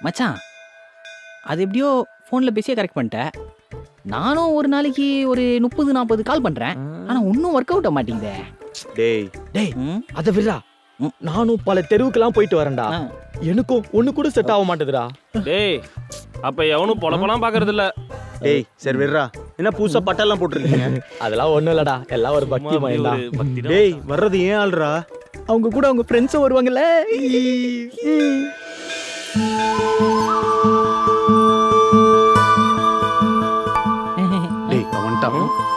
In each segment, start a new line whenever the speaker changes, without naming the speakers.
மச்சான் அது எப்படியோ ஃபோனில் பேசியே கரெக்ட் பண்ணிட்டேன். நானும் ஒரு நாளைக்கு ஒரு 30-40 கால் பண்ணுறேன். ஆனால் ஒன்றும் ஒர்க் அவுட் ஆக மாட்டேங்குதே.
டேய்
டேய் அத விடுறா. நானும் பல தெருவுக்கெல்லாம் போயிட்டு வரேன்டா. எனக்கும் ஒண்ணு கூட செட் ஆக மாட்டேதுடா.
டேய் அப்ப எவனும் பொழப்பெல்லாம் பாக்குறது இல்ல.
டேய் சரி விடுறா. என்ன புதுசா பட்டெல்லாம் போட்டுருக்கீங்க?
அதெல்லாம் ஒண்ணும் இல்லடா, எல்லாம் ஒரு பக்தி மயம்டா.
டேய் வர்றது ஏன் ஆள்றா?
அவங்க கூட அவங்க ஃப்ரெண்ட்ஸும் வருவாங்கல்ல.
டேய் அவன்ட்டான்.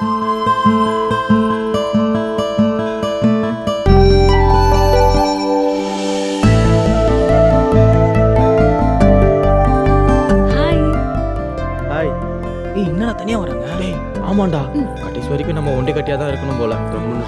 ஹாய்.
ஹாய்.
ஏய் என்னடா தனியாக வராங்க?
டேய் ஆமாண்டா, கடைசி வரைக்கும் நம்ம ஒண்டி கட்டியா தான் இருக்கணும் போல.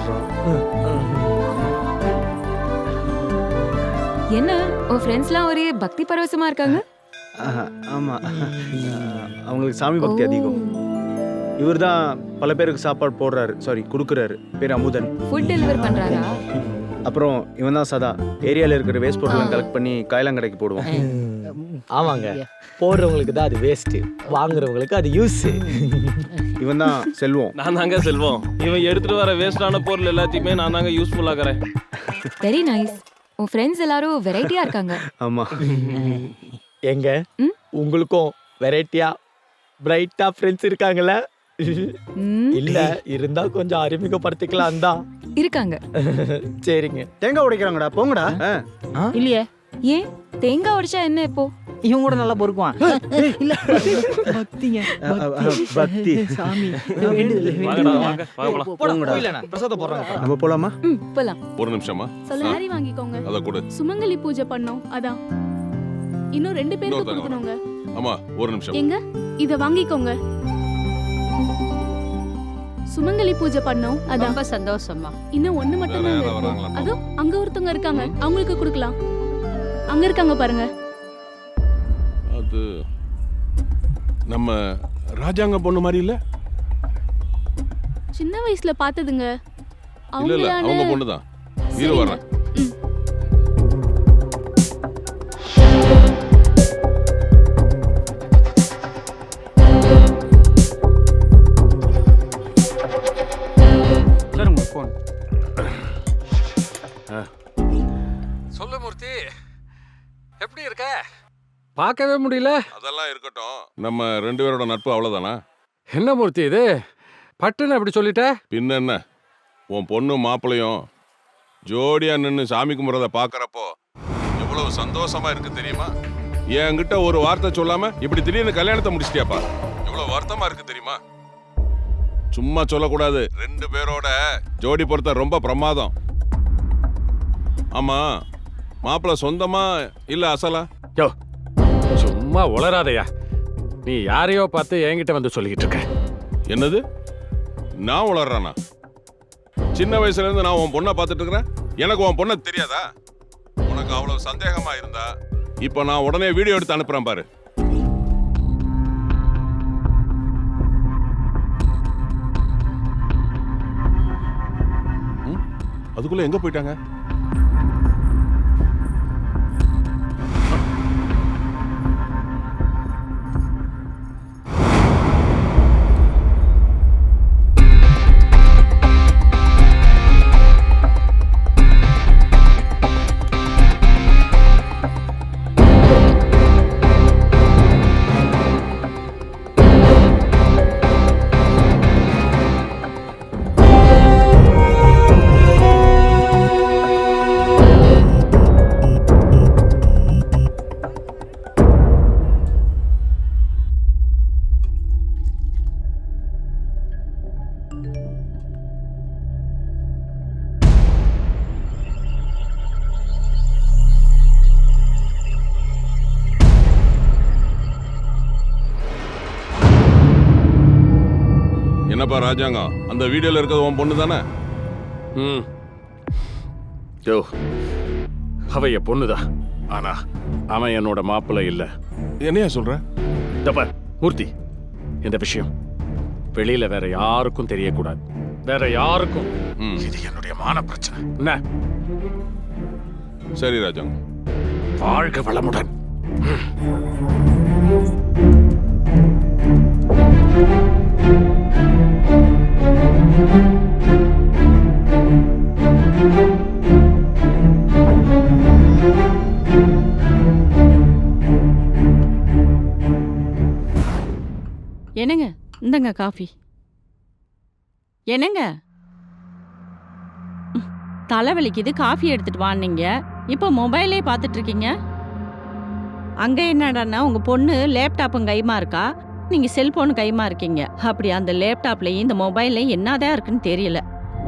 என்ன உன் ஃப்ரெண்ட்ஸ்லாம் ஒரே பக்தி பரவசமா இருக்காங்க?
ஆமா, அவங்களுக்கு சாமி பக்தி அதிகம். இவர் தான் பல பேருக்கு சாப்பாடு போடுறாரு, சாரி கொடுக்குறாரு. பேர் அமுதன்.
ஃபுட் டெலிவர் பண்றாரா?
அப்புறம் இவன் தான் சதா. ஏரியாவில் இருக்கிற வேஸ்ட் பொருட்களை கலெக்ட் பண்ணி காயலாங்கடைக்கு போடுவான்.
ஆமாங்க, போடுறவங்களுக்கு தான் அது வேஸ்ட், வாங்குறவங்களுக்கு அது யூஸ்.
இவன் தான் செல்வம்.
நான் தாங்க செல்வம். இவன் எடுத்துட்டு வர வேஸ்டான பொருள் எல்லாத்தையுமே நான் தாங்க யூஸ்ஃபுல் ஆக்குறேன்.
Very nice. உன் ஃப்ரெண்ட்ஸ் எல்லாரும் வெரைட்டியா இருக்காங்க.
ஆமா.
எங்க உங்களுக்கும் வெரைட்டியா பிரைட்டா ஃப்ரெண்ட்ஸ் இருக்காங்கல்ல? இல்ல இருந்தா கொஞ்சம் அறிமுகப்படுத்திக்கலாம் தான்.
இருக்காங்க.
சரிங்க.
தேங்காய் உடைக்கிறாங்கடா, போங்கடா.
இல்லையே,
ஏன் தேங்காய் உடைச்சா என்ன இப்போ?
இவன் கூட நல்லா பொறுக்குவான். இல்ல பக்திங்க,
பக்தி.
சாமி
வாங்கடா வாங்க வாங்க போலாம்.
போங்கடா.
பிரசாதம் போடுறாங்க.
நம்ம போலாமா?
போலாம்.
ஒரு நிமிஷமா
சாரி வாங்கிக்கோங்க.
அத கொடு.
சுமங்கலி பூஜை பண்ணோம், அதான். இன்னும் 2 பேருக்கு
இன்னொருத்தங்க
கொடுக்கணுங்க.
ஆமா ஒரு நிமிஷம்.
எங்க இத வாங்கிக்கோங்க. சுமங்கலி பூஜை பண்ணோம், அதான்.
ரொம்ப சந்தோஷமா.
இன்னும் 1 மட்டும்
வேற
தான்
யாரா
இருக்கு.
வராங்களா?
அதோ அங்க ஒருத்தங்க இருக்காங்க, அவங்களுக்கு கொடுக்கலாம். அங்க இருக்காங்க பாருங்க.
அது நம்ம ராஜாங்க பொண்ணு மாதிரி இல்ல?
சின்ன வயசுல பார்த்ததுங்க.
இல்ல இல்ல அவங்க
அவங்களான
பொண்ணுதான். இரு வரேன்.
சார் உங்க ஃபோன்.
சொல்லு மூர்த்தி, எப்படி இருக்க? பார்க்கவே முடியல.
அதெல்லாம் இருக்கட்டும். நம்ம 2 பேரோட நட்பு அவ்வளவுதானா?
என்ன மூர்த்தி இது, பட்டுன்னு அப்படி சொல்லிட்ட?
பின்ன என்ன, உன் பொண்ணு மாப்பிளையும் ஜோடியா நின்னு சாமி கும்பிட்றத பாக்குறப்போ எவ்வளவு சந்தோஷமா இருக்கு தெரியுமா? என்கிட்ட ஒரு வார்த்தை சொல்லாம இப்படி திடீர்னு கல்யாணத்தை முடிச்சிட்டியாப்பா. எவ்வளவு வருத்தமா இருக்கு தெரியுமா? சும்மா சொல்லக்கூடாது. 2 பேரோட ஜோடி பொறுத்த ரொம்ப பிரமாதம். ஆமா, மாப்பிள்ள சொந்தமா இல்ல அசலா?
யோ சும்மா உளராதையா. நீ யாரையோ பார்த்து என்கிட்ட வந்து சொல்லிக்கிட்டு இருக்க.
என்னது, நான் உளறானா? சின்ன வயசுல இருந்து நான் உன் பொண்ணை பார்த்துட்டு இருக்கிறேன். எனக்கு உன் பொண்ணை தெரியாதா? உனக்கு அவ்வளவு சந்தேகமா இருந்தா இப்ப நான் உடனே வீடியோ எடுத்து அனுப்புறேன் பாரு. அதுக்குள்ள எங்க போயிட்டாங்க? என்னப்பா ராஜாங்கம், அந்த வீடியோல இருக்கிறது உன் பொண்ணு தானே?
யோ அவ என் பொண்ணுதான். ஆனா அவன் என்னோட மாப்பிள்ளை இல்ல.
என்னையா சொல்ற?
தப்ப மூர்த்தி, இந்த விஷயம் வெளியில வேற யாருக்கும் தெரியக்கூடாது. வேற யாருக்கும். இது என்னுடைய மான பிரச்சனை. என்ன?
சரி ராஜாங்கம்.
வாழ்க வளமுடன்.
என்னங்க இந்தங்க காஃபி. என்னங்க தலைவலிக்குது காஃபி எடுத்துட்டு வான்னீங்க, இப்போ மொபைலே பார்த்துட்டு இருக்கீங்க. அங்க என்னடான்னா உங்க பொண்ணு லேப்டாப்பும் கைமா இருக்கா, நீங்க செல்போன் கைமா இருக்கீங்க. அப்படி அந்த லேப்டாப்லயும் இந்த மொபைல்லையும் என்னதான் இருக்குன்னு தெரியல.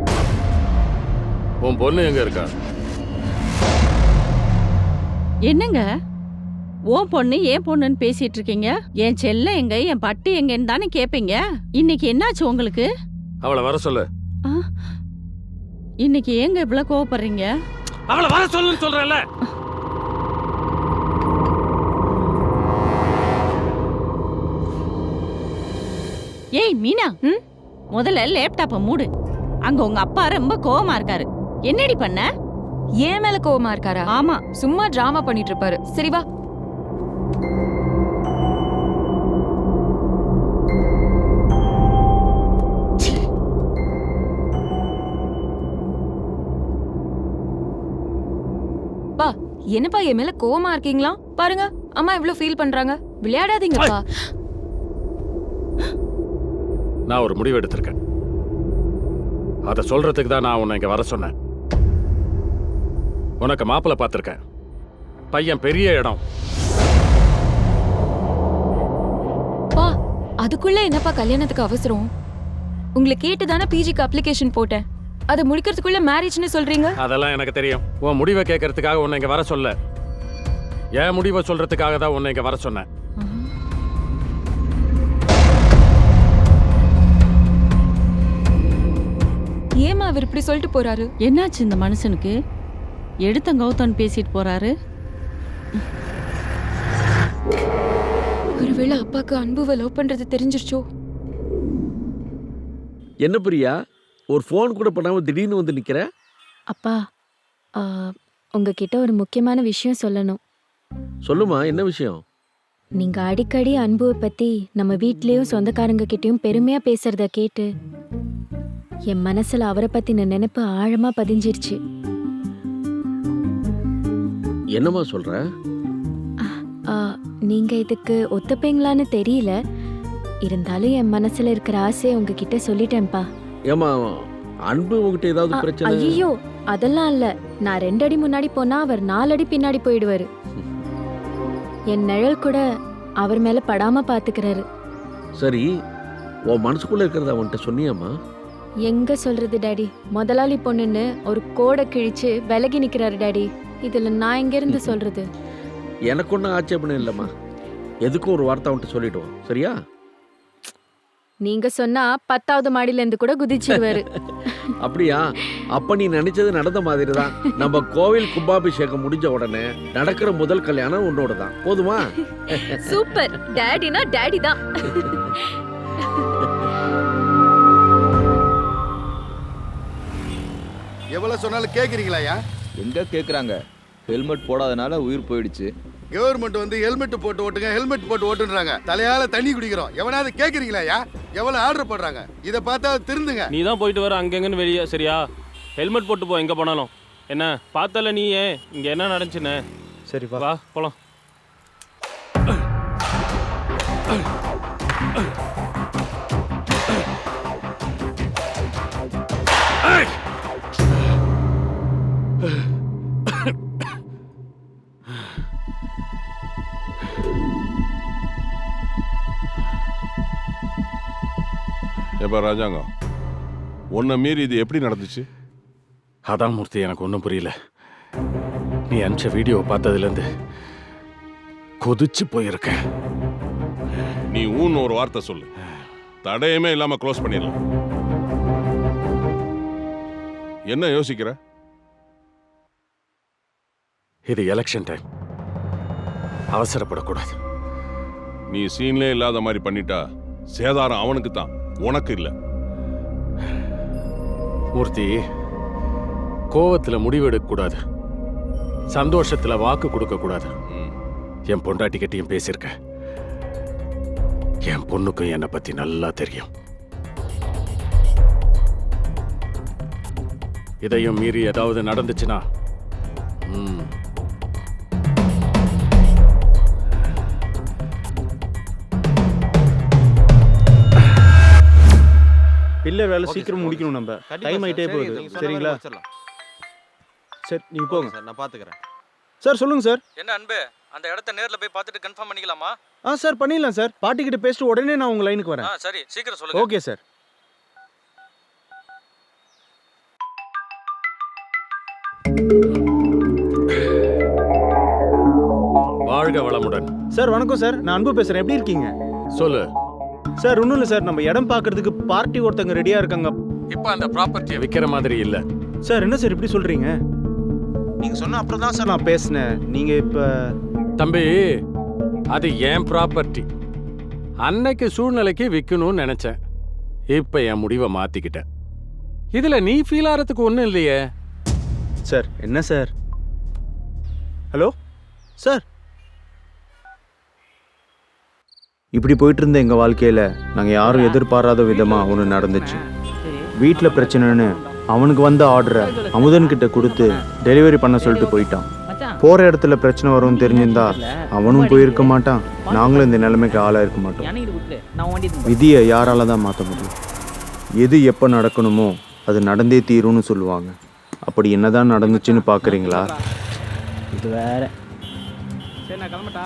உன் பொண்ணு எங்க இருக்கா?
என்னங்க ஓ பொண்ணு ஏன் பொண்ணுன்னு பேசிட்டு இருக்கீங்க? என் செல்ல எங்க, என் பட்டு எங்கன்னு தானே கேப்பீங்க. இன்னைக்கு என்னாச்சு உங்களுக்கு?
அவளை வர சொல்லு.
இன்னைக்கு ஏங்க இவ்வளவு கோவப்படுறீங்க?
அவளை வர சொல்லுன்னு சொல்றேன்ல.
ஏய் மீனா, முதல்ல லேப்டாப்பை மூடு. அங்க உங்க அப்பா ரொம்ப கோவமா இருக்காரு. என்னடி பண்ண?
ஏன் மேல கோவமா இருக்காரா?
ஆமா,
சும்மா டிராமா பண்ணிட்டு இருப்பாரு. சரி வா. பா, என்னப்பா என் மேல கோவமா இருக்கீங்களா? பாருங்க அம்மா இவ்ளோ ஃபீல் பண்றாங்க. விளையாடாதீங்கப்பா.
நான் ஒரு முடிவு எடுத்திருக்கேன். அதை சொல்றதுக்கு தான் நான் உன்னை இங்க வர சொன்னேன். உனக்கு மாப்பிள்ளை பார்த்திருக்கேன். பையன் பெரிய இடம்.
பா, அதுக்குள்ள என்னப்பா கல்யாணத்துக்கு அவசரம்? உங்களை கேட்டு தானே பிஜிக்கு அப்ளிகேஷன் போட்டேன். அதை முடிக்கிறதுக்குள்ள மேரேஜ்னு சொல்றீங்க?
அதெல்லாம் எனக்கு தெரியும். உன் முடிவை கேட்கறதுக்காக உன்னை இங்க வர சொல்ல, என் முடிவை சொல்றதுக்காக தான் உன்னை இங்க வர சொன்னேன்.
ஏமா அவர் இப்படி சொல்லிட்டு போறாரு?
என்னாச்சு இந்த மனுஷனுக்கு? எடுத்த கௌதம் பேசிட்டு போறாரு.
ஒருவேளை அப்பாக்கு அன்புவை லவ் பண்றது தெரிஞ்சிருச்சோ?
என்ன பிரியா, ஒரு ஃபோன் கூட பண்ணாம திடீர்னு வந்து நிக்கிற?
அப்பா, உங்ககிட்ட ஒரு முக்கியமான விஷயம் சொல்லணும்.
சொல்லுமா, என்ன விஷயம்?
நீங்க அடிக்கடி அன்புவை பத்தி நம்ம வீட்லயும் சொந்தக்காரங்க கிட்டயும் பெருமையா பேசுறத கேட்டு என் மனசுல அவரை பத்தின நினைப்பு ஆழமா பதிஞ்சிருச்சு.
என்னம்மா சொல்ற?
நீங்க இதுக்கு ஒத்துப்பீங்களான்னு தெரியல, இருந்தாலும் என் மனசுல இருக்கிற ஆசையை உங்ககிட்ட சொல்லிட்டேன்ப்பா.
ஏமா, அன்பு உங்ககிட்ட ஏதாவது பிரச்சனை?
ஐயோ, அதெல்லாம் இல்ல. நான் 2 அடி முன்னாடி போனா அவர் 4 அடி பின்னாடி போயிடுவாரு. என் நிழல் கூட அவர் மேல படாம பாத்துக்கிறாரு.
சரி, உன் மனசுக்குள்ள இருக்கிறத அவன்கிட்ட சொன்னியாமா?
எங்க சொல்றது டாடி, முதலாளி பொண்ணுன்னு ஒரு கோடை கிழிச்சு விலகி நிக்கிறாரு டாடி. இதுல நான் எங்க இருந்து சொல்றது?
எனக்கு ஒன்றும் ஆட்சேபணம் இல்லைம்மா. எதுக்கும் ஒரு வார்த்தை அவன்கிட்ட சொல்லிடுவோம், சரியா?
நீங்க சொன்னா 10வது மாடியில இருந்து கூட குதிச்சிடுவாரு.
அப்படியா? அப்ப நீ நினைச்சது நடந்த மாதிரி தான். நம்ம கோவில் கும்பாபிஷேகம் முடிஞ்ச உடனே நடக்கிற முதல் கல்யாணம் உன்னோட தான். போதுமா?
சூப்பர். டாடினா டாடி தான்.
எவ்வளவு சொன்னாலும் கேக்குறீங்களாயா?
எங்க கேக்குறாங்க? ஹெல்மெட் போடாதனால உயிர் போயிடுச்சு.
கவர்மெண்ட் வந்து ஹெல்மெட் போட்டு ஓட்டுங்க, ஹெல்மெட் போட்டு ஓட்டுன்றாங்க. தலையால தண்ணி குடிக்கிறோம். எவனாவது கேக்குறீங்களாயா? எவ்வளவு ஆர்டர் போடுறாங்க? இதை பார்த்தா திருந்துங்க.
நீ தான் போயிட்டு வர அங்கங்கன்னு வெளியே, சரியா? ஹெல்மெட் போட்டு போ எங்க போனாலும். என்ன பார்த்தல நீ? இங்க என்ன நடந்துச்சுன்னு?
சரி
வா போலாம்.
எப்ப ராஜாங்கம், உன்னை மீறி இது எப்படி நடந்துச்சு?
அதான் மூர்த்தி, எனக்கு ஒன்றும் புரியல. நீ அனுப்பிச்ச வீடியோவை பார்த்ததுலேருந்து கொதிச்சு போயிருக்க.
நீ ஊன்னு ஒரு வார்த்தை சொல்லு, தடையுமே இல்லாம க்ளோஸ் பண்ணிடலாம். என்ன யோசிக்கிற?
இது எலெக்ஷன் டைம், அவசரப்படக்கூடாது.
நீ சீன்லே இல்லாத மாதிரி பண்ணிட்டா சேதாரம் அவனுக்கு தான், உனக்கு இல்ல.
மூர்த்தி, கோவத்துல முடிவெடுக்க கூடாது, சந்தோஷத்துல வாக்கு கொடுக்க கூடாது. என் பொண்டாட்டிக்கிட்டையும் பேசியிருக்க. என் பொண்ணுக்கும் என்னை பத்தி நல்லா தெரியும். இதையும் மீறி ஏதாவது நடந்துச்சுன்னா
சில்லர் வேலை சீக்கிரம் முடிக்கணும் நம்ம. டைம் ஆயிட்டே போகுது. சரிங்களா? சரி நீங்க போங்க
சார், நான் பாத்துக்கிறேன்.
சார். சொல்லுங்க சார்.
என்ன அன்பு, அந்த இடத்த நேர்ல போய் பார்த்துட்டு கன்ஃபார்ம் பண்ணிக்கலாமா?
சார் பண்ணிடலாம் சார். பாட்டி கிட்ட பேசிட்டு உடனே நான் உங்க லைனுக்கு வரேன்.
சரி, சீக்கிரம் சொல்லுங்க.
Okay sir.
வாழ்க வளமுடன்.
சார் வணக்கம் சார். நான் அன்பு பேசுறேன். எப்படி இருக்கீங்க?
சொல்லு.
சார் ஒன்றும் இல்லை சார். நம்ம இடம் பார்க்கறதுக்கு பார்ட்டி ஒருத்தங்க ரெடியா இருக்காங்க.
இப்ப அந்த ப்ராப்பர்ட்டியை விக்கிற மாதிரி இல்ல.
சார் என்ன சார் இப்படி சொல்றீங்க? நீங்க சொன்ன அப்புறம் தான் சார் நான் பேசினேன். நீங்க இப்ப
தம்பி, அது ஏன் ப்ராப்பர்ட்டி. அன்னைக்கு சூழ்நிலைக்கு விற்கணும்னு நினைச்சேன். இப்ப என் முடிவை மாத்திக்கிட்டேன். இதுல நீ ஃபீல் ஆகிறதுக்கு ஒன்றும் இல்லையே.
சார் என்ன சார்? Hello sir. இப்படி போயிட்டு இருந்த எங்கள் வாழ்க்கையில் நாங்கள் யாரும் எதிர்பாராத விதமாக ஒன்று நடந்துச்சு. வீட்டில் பிரச்சனைன்னு அவனுக்கு வந்த ஆர்டரை அமுதன்கிட்ட கொடுத்து டெலிவரி பண்ண சொல்லிட்டு போயிட்டான். போகிற இடத்துல பிரச்சனை வரும்னு தெரிஞ்சிருந்தா அவனும் போயிருக்க மாட்டான். நாங்களும் இந்த நிலைமைக்கு ஆளாக இருக்க மாட்டோம். விதியை யாரால தான் மாற்ற முடியும்? எது எப்போ நடக்கணுமோ அது நடந்தே தீரும்னு சொல்லுவாங்க. அப்படி என்னதான் நடந்துச்சுன்னு பார்க்குறீங்களா?
இது வேற. சரி நான் கிளம்பட்டா?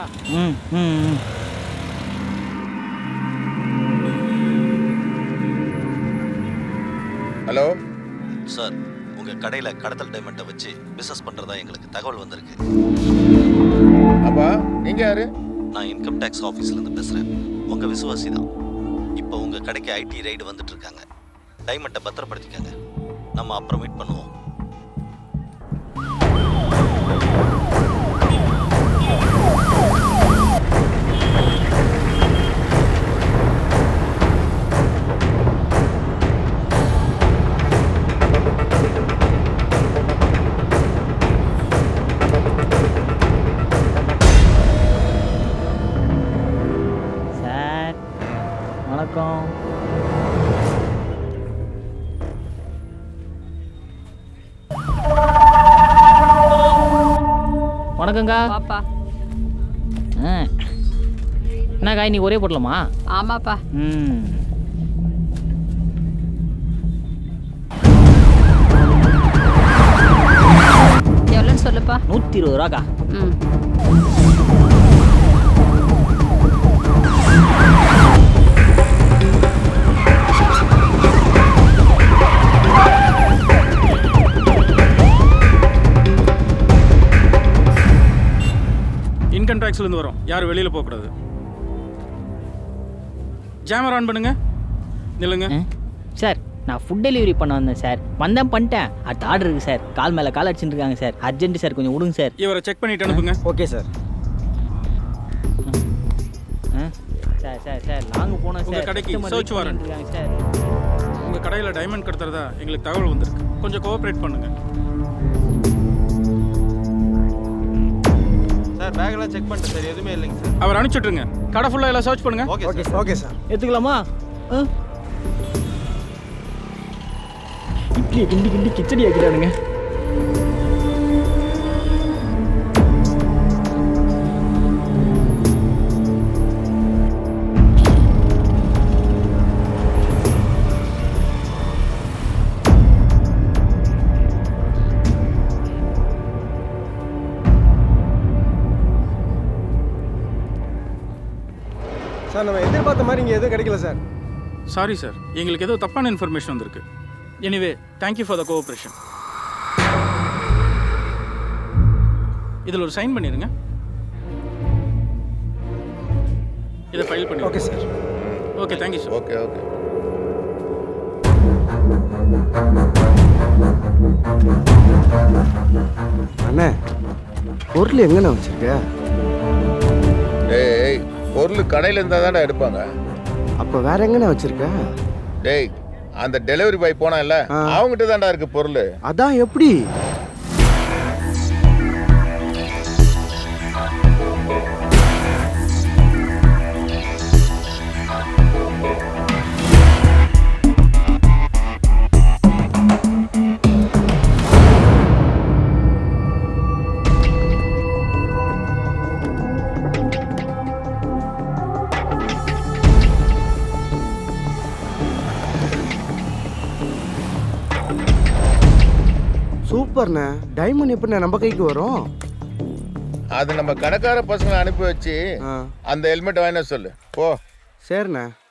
ஹலோ சார், உங்கள் கடையில் கடத்தல் டைமண்டை வச்சு பிஸ்னஸ் பண்ணுறதா எங்களுக்கு தகவல் வந்திருக்கு.
அப்பா நீங்கள் யாரு?
நான் இன்கம் டேக்ஸ் ஆஃபீஸ்லேருந்து பேசுகிறேன். உங்கள் விசுவாசி தான். இப்போ உங்கள் கடைக்கு ஐடி ரைடு வந்துட்டு இருக்காங்க. டைமண்டை பத்திரப்படுத்திக்காங்க. நம்ம அப்புறம் மீட் பண்ணுவோம்.
சார் வணக்கம். வணக்கங்கா.
பாப்பா.
என்ன காய் நீ ஒரே போடலாமா?
ஆமாப்பா. எவ்வளோன்னு சொல்லுப்பா.
120 ரூபாக்கா.
இன்கம் டேக்ஸ்லேருந்து வரோம். யாரும் வெளியில் போகக்கூடாது. ஜாமர் ஆன் பண்ணுங்க. நில்லுங்க.
சார் நான் ஃபுட் டெலிவரி பண்ண வந்தேன் சார். வந்தேன் பண்ணிட்டேன். அடுத்த ஆர்டர் இருக்குது சார். கால் மேலே கால் அடிச்சுட்டு இருக்காங்க சார். அர்ஜென்ட் சார், கொஞ்சம் விடுங்க சார்.
இவரை செக் பண்ணிட்டு அனுப்புங்க.
Okay sir.
Sir sir sir long போனோம் சார்.
உங்கள் கடைக்கு சர்ச் வாரண்ட்
இருக்காங்க சார்.
உங்கள் கடையில் டைமண்ட் கடத்துறதா எங்களுக்கு தகவல் வந்திருக்கு. கொஞ்சம் கோஆப்ரேட் பண்ணுங்க
சார். பேக்கெல்லாம் செக் பண்ணிட்டேன் சார், எதுவுமே இல்லைங்க சார்.
அவர் அனுப்பிச்சுட்ருங்க. கடை ஃபுல்லாக எல்லாம் சர்ச் பண்ணுங்க.
Okay sir. Okay sir.
எடுத்துக்கலாமா? இட்லியை கிண்டி கிண்டி கிச்சடி ஆக்கிட்டானுங்க.
சார் நம்ம எதிர்பார்த்த மாதிரி இங்கே எதுவும் கிடைக்கல சார்.
சாரி சார், எங்களுக்கு ஏதோ தப்பான இன்ஃபர்மேஷன் வந்திருக்கு. Anyway thank you for the cooperation. இதில் ஒரு சைன் பண்ணிடுங்க. இதை ஃபைல் பண்ணி.
Okay sir.
Okay thank you sir.
Okay okay.
அண்ணே, பொருள் எங்கண்ணா வச்சிருக்க?
டேய், பொருள் கடையில் இருந்தால் தானே எடுப்பாங்க.
அப்போ வேற எங்கண்ணா வச்சிருக்க?
டேய், அந்த டெலிவரி பாய் போனான்ல, அவங்ககிட்ட தான்டா இருக்கு பொருள்.
அதான் எப்படி? சூப்பர்ண்ணே. டைமண்ட் எப்படிண்ணே நம்ம கைக்கு வரும்?
அது நம்ம கடைக்கார பசங்களை அனுப்பி வச்சு அந்த ஹெல்மெட் வாங்கின சொல்லு போ.
சரிண்ணே.